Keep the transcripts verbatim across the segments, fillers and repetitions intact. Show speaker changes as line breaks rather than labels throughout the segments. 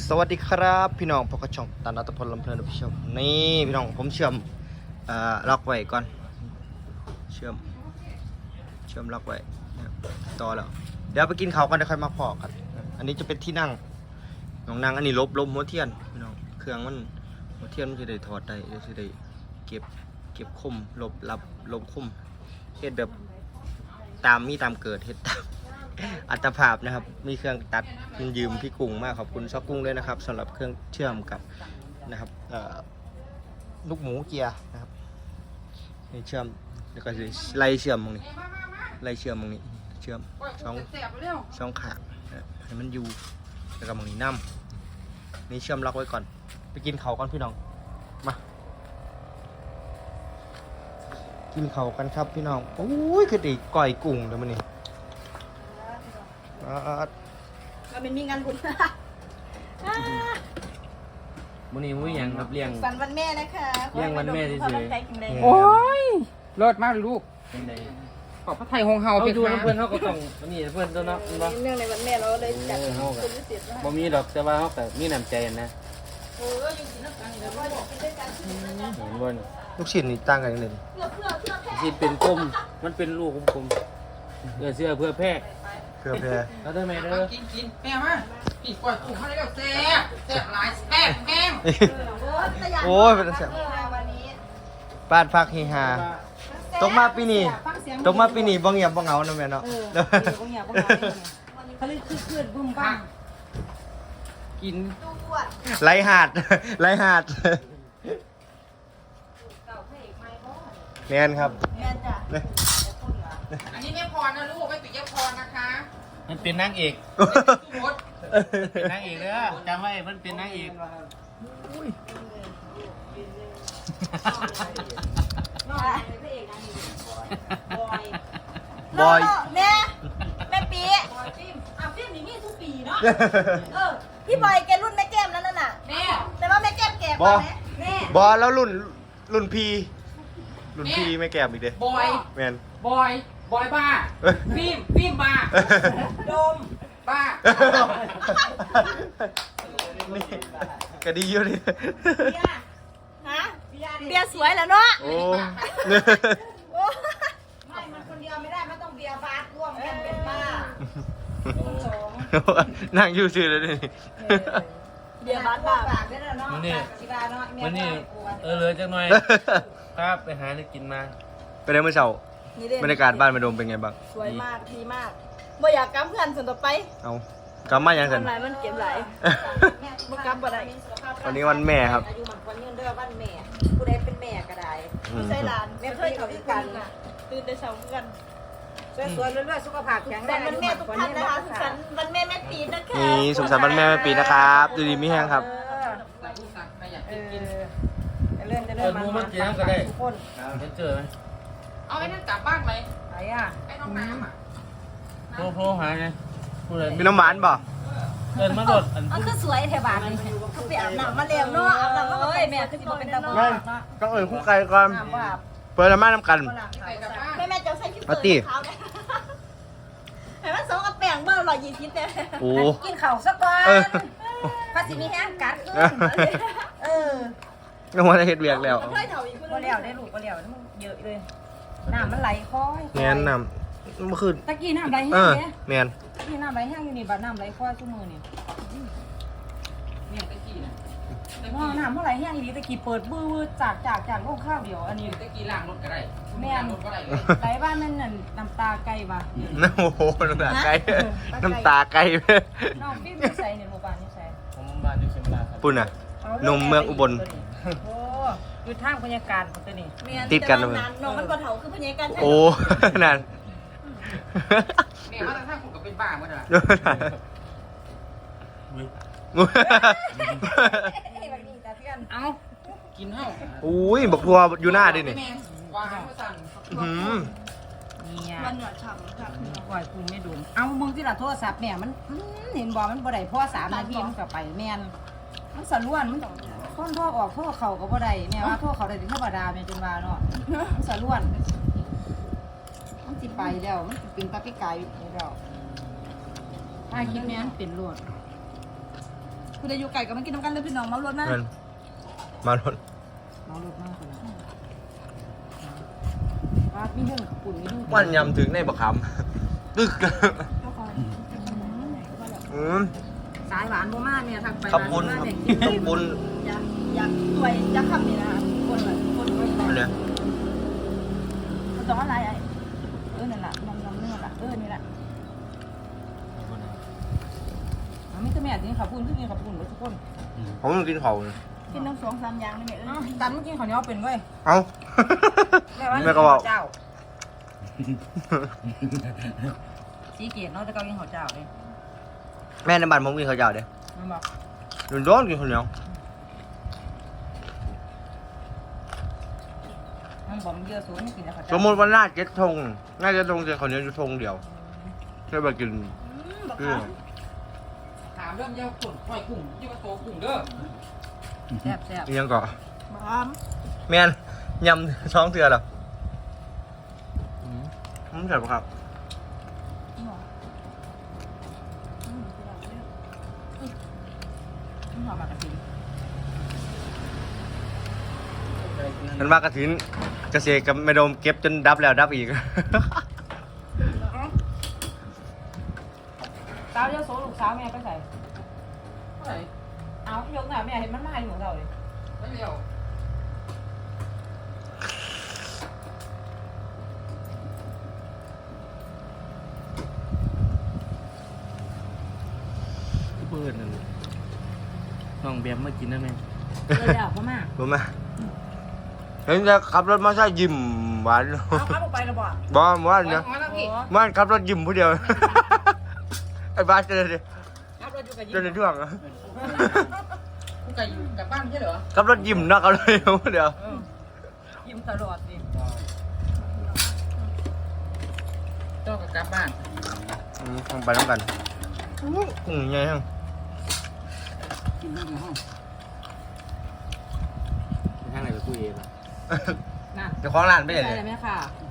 สวัสดีครับพี่น้องพกช่องตันอัตพลลำเพลินผู้ชมนี่พี่น้องผมเชื่อมอ่าล็อกไว้ก่อนเชื่อมเชื่อมล็อกไว้ต่อแล้วเดี๋ยวไปกินข้าวกันเดี๋ยวค่อยมาพอกันอันนี้จะเป็นที่นั่งน้องนั่งอันนี้ลบลบหัวเทียนพี่น้องเครื่องมันหัวเทียนมันจะได้ถอดได้จะได้เก็บเก็บคมลบรับลบคมเฮ็ดแบบตามมีตามเกิดเฮ็ดตามอัตภาพนะครับมีเครื่องตัดยืมพี่กุ้งมากขอบคุณช็อกกุ้งด้วยนะครับสำหรับเครื่องเชื่อมกับนะครับลูกหมูเกียร์นะครับนี่เชื่อมแล้วก็ไล่เชื่อมตรงนี้ไล่เชื่อมตรงนี้เชื่อมสองสองขางให้มันอยู่แล้วก็ตรงนี้น้ำนี่เชื่อมล็อกไว้ก่อนไปกินเขาก่อนพี่น้องมากินเขากันครับพี่น้องโอ้ยคือดีก่อยกุ้งเดี๋ยวมันนี่
มันเป็นมีงานบุญ
มื้อนี้มื้อหยังครับเลี้ยง
ฝันวันแม่นะคะ
เลี้ยงวันแม่เฉย
ๆ
โอ้ยเลิศมากเลยลูก
เป็นได
ขอบพระไทยหงเฮา
เอา
ไป
ดู
ค่ะ
น้ำเพื่อนเฮาก็ต้องอันนี้เพื่อนตัวเนาะบ่
เนื่องในวันแม่เราเลยจัดเป็นพิเศษนะ
บ่มีดอกแต่ว่าเฮาก็มีน้ำใจนะ
เอออยู่ที่นั่นกันเดี๋ยวว่าอยากกินด้วยกัน
เห็นบ่นี่
ลูกชิ้นนี่ตั้งกันยังไง
เพื่อเพื่อเพื่อแพ้
สิเป็นกลมมันเป็นลูกกลมๆเอื้อเสื้อเพื่อแพร่
เพื่อแพร
เอาได้ไหมเด้อ
กินกินแม่มาปีกกล้วยกุ้งเขาได้แบบแซ่บแซ่บหลายแซ่บแห้ง
โอ้ยเป็นเสียง
วันนี้
บ้านพักเฮฮาตกมาปีนี้ตกมาปีนี้บ่เงียบบ่เหงาเนาะแม่เนาะ
เออเดี๋ยวก็เงียบก็เงียบเขาเลยคือคืนบุ้มบ้าง
กิน
ตู้ปวด
ไรหาด ไรหาดแม่นครับ
แม่จ้ะ
อันนี้แม่พรนะลูกไม่ปิดยพรนะคะ
มันเป็นนางเอก
สุรส
เป็นนางเอกเด้อจำไว้มันเป็นนางเอก
บอย
แม่แม่ปีอ่ะฟิล์มนี่มีทุกปีเนาะเออพี่บอยแกรุ่นแม่แก้มนั่นน่ะ
แม่
แต่ว่าแม่แก้มแก่กว่าแม่แม่
บอแล้วรุ่นรุ่นพีรุ่นพีไม่แก้มอีกเด้
บอย
แม่น
บอยบอยบ้าฟิล์มฟิล์มบ้าโดมบ้า
นี่ก็ดีอยู่ดิ
เบียร์ฮะเบียร์สวยแล้วเนาะ
โอ้
โอ้ไม่มันคนเดียวไม่ได้มันต้องเบียร์บาสร่วมกันเป็นบ้าสอง
นั่งอยู่ซื่อเลยนี่
เบียร์บาสบ้าได้แล้วเนาะ
มื้อนี้
ชิบาเนาะ
มื้อนี้เออเหลือจักหน่อยครับไปหาอะไรกินมา
ไปได้เมื่อเช้าบรรยากาศบ้านมาดมเป็นไงบ้าง
สวยมากดีมากบ่อยากกำเพื่อนส่วนต่อไป
เอากลับมายังสัน
ทำไรมันเก็บไหลบ่กำบ่ได้
วันนี้วันแม่ครับ
อายุมันคนยืนเด้อบ้านแม่ผู้ใดเป็นแม่ก็ได้
ไม่ใช่หลานแม่เคยเขาด้วยกันตื่นแต่เช้ากัน
สวยๆเรื่อยๆสุขภาพแข็งแร
แต่
ง
วันแม่ทุกท่านนะคะสุขสันต์วันแม่แม่ปีนะคะ
นี่สุขสันต์วันแม่แม่ปีนะครับดูดีมีแห้งครับ
เออ
ใครอยาก
เอ
กินกิน
อจะเลื่อนจะ
เอ
เลื่อ
อน มูมันกินน้ำก็ได้
ทุกคน
เห็นเจอไหม
เอาไอ้นั่นกลับบ้านไหม
ไหนอ่ะ
ไอ้น้องน้ำอ่ะ
โทรโทรหาไงพูดเลย
มีน้ำหวานป่ะ
เดินมาโดดอัน
มันคือสวยแถวบ้านนี่เขาไปอาบน้ำมาแล้วเนาะอาบน้ำมาเอ้ยแม่คือสิบ่เป็นตาบ่
แม่ต้องเอ่ยคู่ไก่ก่อน
น้ำว่า
เปิดน้ำมันน้ำกัน
ไปกลับบ้าน
แม่แม่จะใส่ชุด
เอาติ
เท้าเนี่ยเห็นว่าสองกับแป้งเบอร์ร้อยยี่สิบเนี่ย
โอ้
กินข้าวซะก่อน
เออ
ภาษีมีแห้งกัดขึ้นเออ
น้ำมันเฮ็ดเวียกแล้ว
มันเคยเถาอีกคน
ก็แล้วได้ลูกก็แล้วมันเยอะเลยน้ำมันไหลค่อย
แม่นน้ำเมื่อคืน
ตะกี้น้ำไหล
เอ
แห้ง
อ
เนี่ย
แม่น
ตะกี้น้ำไหลแห้งอยู่นี่บัดน้ำไหลค่อยชั่วมือนี่
เนี่ยตะกี้นะตะ
น้
กี้
ำน้ำเมื่อไหลแห้งอีนี้ตะกี้เปิดบื้อจากจากจากโลกข้าวเดียวอันนี้
ตะกี้ล้างรถก็ได้
แม่
ล้างรถก็ได้เลย
ไหลบ้านนั่นน่ะน้ำตาไก่บ่
โอ้โหน้ำตาไก่น้ำตาไก่
น้องพี่ไม่ใส่เนี่ยโรงพยาบาลนี่ใส่
ผมบ้านอยู่เชียงรายครับ
ปุ่นอ่ะ นมเมืองอุบล
โอ้อยู่ทางบรรยากาศของตัวนี้
ติดกันเลย
น้องมันบ่เถาคือพญาการ
โอ้นั่น
แม่ว่าถ้าคุณก็เป็นบ้าเมื่อไหร่
เอา
กินเท่า
อุ้ยบอกทัวร์อยู่หน้าดินี่
แม่วางไม่สั่น
หืม
เนี่ย
มันหนวดฉ่ำค่ะ
ปล่อยกูไม่ดูเอามึงที่ละโทรศัพท์เนี่ยมันอื้อเห็นบอกมันบ่ได้พ่อสามนาทีมันก็ไปแม่นมันสะล้วนมันคนโทรออกโทรเข่าก็บ่ได้แม่ว่าโทรเขาได้ถึงธรรมดาแม่จนว่าเนาะมันสะล้วนมันสิไปแล้วมันสิปิงตาปิกายอยู่แล้วถ้าคิดแม่นเป็นโลด
มคุณอายุไก่ก็มากินน้ำกันเลยพี่น้องเมารถมาก
เงินมารถ
เมารถมากคนละว่ามีเรื่องกับปุ่นมีเรื่อง
วันยำถึงในบักคำตึกอืม
สายหวานโมมากเนี่ยทางไป
ขับปุ้น
ร้าน
ครับ
เนี่ยกิน
ขับปุ้น
อยากอยากสวยอยากขับนี่นะคะคนเลยคนเลย
อันเนี้ย
มันต้องอะไรไอ้เออนั่นแหละนมนมนี่แหละเออนี่แหละ
อ๋อมีแต่แม่กินขับปุ่นคือกินขับปุ่นเลยทุกคน
ผมกินเขา
กินน้ำสองสามอย่างนี่แม่เอ
อ้าว
อ
ตันเมื่อกี้เขาวเหนี้ยวเป็นเว้ย
เอ้า
แม่ว่า
แม่ก็บอก
เจ้าสีเกตเนาะแต่เกากินข้าวเจ้าเลย
แม่ในบ้านผมกินข้าวเจ้าเด้
มันบอก
โดนโดนกินข้าวเหนียว
มันบอกมันเยอะสูงไม่กินแต่ข้าว
ส
เจ้าม
มติว่าหน้าเจ็ดทงหน้าเจ็ดทงจะข้าวเหนียวอยู่ทงเดียวแค่ไปกิน
บอก
เพื่อ
เขา
ถามเรื่องเย้าขุ่นปล่อยกุ้งยี่ว่าโตกุ้งเด้อ
แซ่บแซ่บ
อิหยังก่อ
บอกอ้อม
แม่นยำท้องเถื่อเหรออืมผมใส่ปะครับ
มันหอมมากกระถิ่น
มันมากระถินเกษตรกับแม่ดมเก็บจนดับแล้วดับอีก
สาวเยอะโสลูกสาวแม่ก็ใส่
เท่าไหร่
เอายกหน่อยแม่เห็นมันมาอยู่ของเราเลย
ไม่เร็ว
เปิดนั่นน้องแบมมากินได้ไหม
เลยแล้วพ่อมา
รู้ไหมเห็นจะขับรถมาใช่ยิ้มหวาน
เอาข้าวไปแล้วบอก
บ้าว่า
ปล่อย
เนี่ย
ออกมาแล้วพี่
บ้านขับรถยิ้มผู้เดียว ไอ้บ้านเจอเลย
ครับเราอยู่กับ
เจอในช่วงอะ
กูไก่อยู่กลับบ้านใช่เหรอ
ขับรถยิ้มเนาะเขาเลยผู้เดียว
ยิ้มตลอดดิ
เจ้ากับกลับบ้าน
อืมต้องไปต้องกันกุ้งใหญ่ฮัง
กินเรื่องในห้อง
ไปทางไหนไปคุยเองล่ะ
น่ะ
เจ้าของร้านไม่
ใช่
ใช่เลย
ไหมค่ะ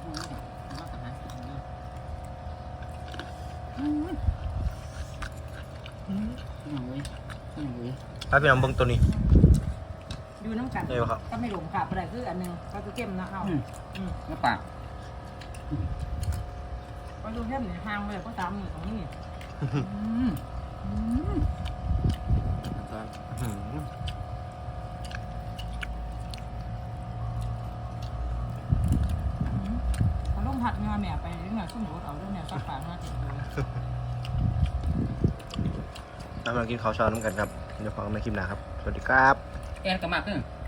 ถ้าพี่น้องเบิ่งตัวนี้
อยู่น้ำกัน
ใช่ปะครับ
ก็ไม่หลงค่ะอะไรคืออันหนึงก็คือเข้มนะเอาอืม
น้ำปาก
ก็ดูเข้มเนี่ยห่างเลยก็ตามมือของนี่
ตอน
อืม
เขาลงผัดงาแม่ไปเรื่องไหนขึ้นรถเอาเรื่องเนี่ยสักฝางมาติดดู
เอามากินข้าวเช้าน้ำกันครับเดี๋ยวฟังในคลิปหน้าครับ สวัสดีครับ
แอนกับมากขึ้น